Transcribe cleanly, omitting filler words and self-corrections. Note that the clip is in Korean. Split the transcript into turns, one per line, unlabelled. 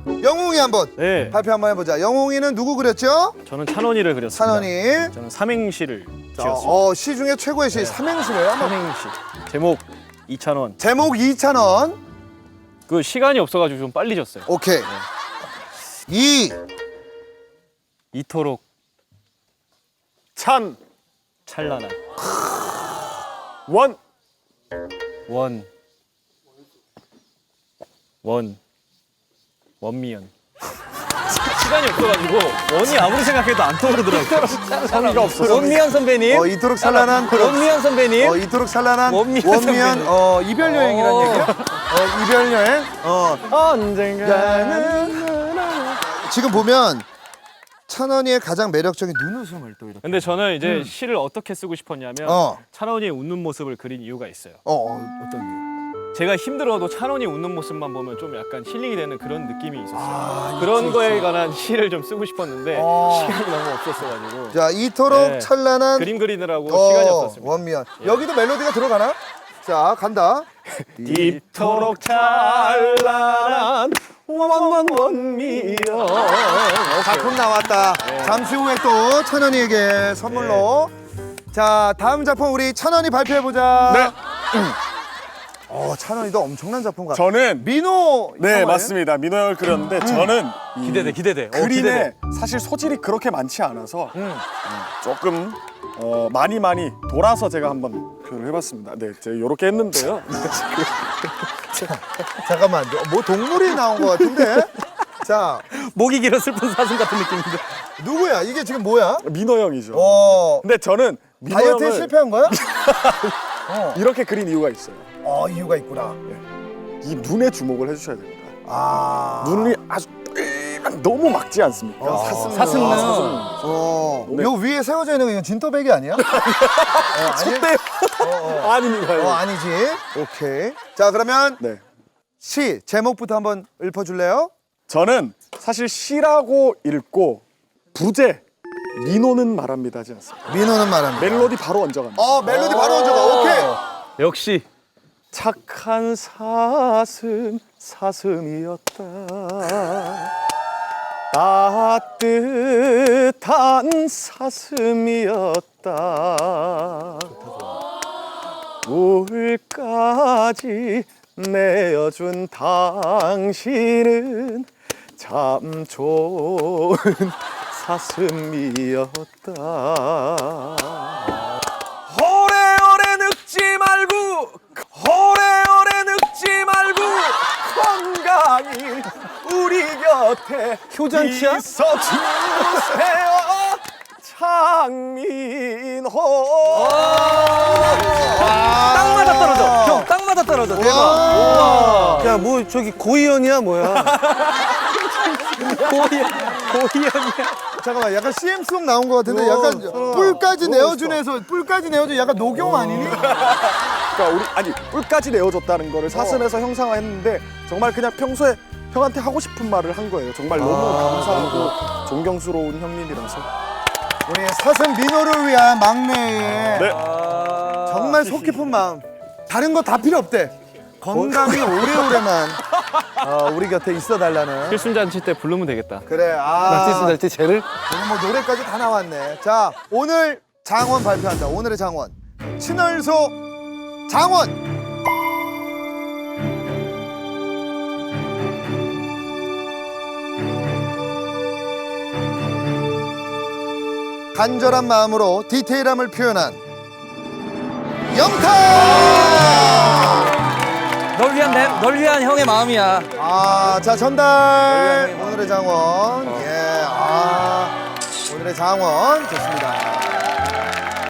영웅이 한번
네.
발표 한번 해보자. 영웅이는 누구 그렸죠?
저는 찬원이를 그렸습니다.
찬원이.
저는 삼행시를 지었습니다.
시 중에 최고의 시 삼행시래요.
삼행시. 제목 이찬원.
제목 2,000원.
그 시간이 없어가지고 좀 빨리 졌어요.
오케이.
이토록 찬란한 원미연. 시간이 없어가지고 원이 아무리 생각해도 안 떠오르더라고요.
성의가 없어서.
원미연 선배님.
이토록 찬란한
원미연 선배님.
이토록 찬란한
원미연
이별 여행이란 얘기야? 이별 여행?
언젠가는.
지금 보면 찬원이의 가장 매력적인 눈웃음을 또 이렇게.
근데 저는 이제 시를 어떻게 쓰고 싶었냐면 찬원이의 웃는 모습을 그린 이유가 있어요.
어떤 게?
제가 힘들어도 찬원이 웃는 모습만 보면 좀 약간 힐링이 되는 그런 느낌이 있었어요. 그런 거에 관한 시를 좀 쓰고 싶었는데 시간이 너무 없었어가지고.
자, 이토록
네.
찬란한
그림 그리느라고 시간이 없었습니다.
원미연. 여기도 멜로디가 들어가나? 자, 간다.
이토록 찬란한 원미연.
작품 나왔다. 잠시 후에 또 찬원이에게 선물로. 자, 다음 작품 우리 찬원이 발표해보자.
네.
찬원이도 엄청난 작품 같아.
저는
민호.
네
영화예요?
맞습니다. 민호 형을 그렸는데 저는
기대돼.
그림에 사실 소질이 그렇게 많지 않아서 조금 많이 돌아서 제가 한번 표현을 해봤습니다. 네, 제가 이렇게 했는데요.
잠깐만, 뭐 동물이 나온 것 같은데? 자,
목이 길어 슬픈 사슴 같은 느낌인데.
누구야? 이게 지금 뭐야?
민호 형이죠.
어,
근데 저는 민호
다이어트에
형을
실패한 거야?
이렇게 그린 이유가 있어요.
이유가 있구나.
이 눈에 주목을 해주셔야 됩니다.
눈이
눈이 아주 너무 막지 않습니까?
사슴눈.
네.
요 위에 세워져 있는 거 이건 진또배기 아니야?
속대 아닙니다.
아니지. 오케이. 자, 그러면
네.
시 제목부터 한번 읊어줄래요?
저는 사실 시라고 읽고 부제 민호는 말합니다 하지 않습니다.
민호는 말합니다.
멜로디 바로 얹어갑니다.
멜로디 바로 얹어가. 오케이.
역시.
착한 사슴이었다. 따뜻한 사슴이었다. 울까지 내어준 당신은 참 좋은 사슴이었다. 오래오래 늙지 말고 건강히 우리 곁에
효잔치야?
있어주세요. 장민호.
땅마다 떨어져. 형, 땅마다 떨어져. 대박. 우와. 야, 뭐 저기 고이연이야 뭐야? 고이연이야.
잠깐만, 약간 CM송 나온 것 같은데 약간 뿔까지 내어준에서 뿔까지 내어준 약간 녹용 아니니?
그러니까 우리 뿔까지 내어줬다는 거를 사슴에서 형상화했는데 정말 그냥 평소에 형한테 하고 싶은 말을 한 거예요. 정말 너무 감사하고 존경스러운 형님이라서.
우리 사슴 민호를 위한 막내의
네.
정말 속 깊은 마음. 다른 거 다 필요 없대. 건강히 오래오래만 우리 곁에 있어달라는.
필순잔치 때 부르면 되겠다.
그래.
날티 쟤를.
오늘 뭐 노래까지 다 나왔네. 자, 오늘 장원 발표한다. 오늘의 장원. 친얼소 장원. 간절한 마음으로 디테일함을 표현한 영탁!
널 위한 형의 마음이야.
자, 전달. 오늘의 장원. 오늘의 장원. 좋습니다.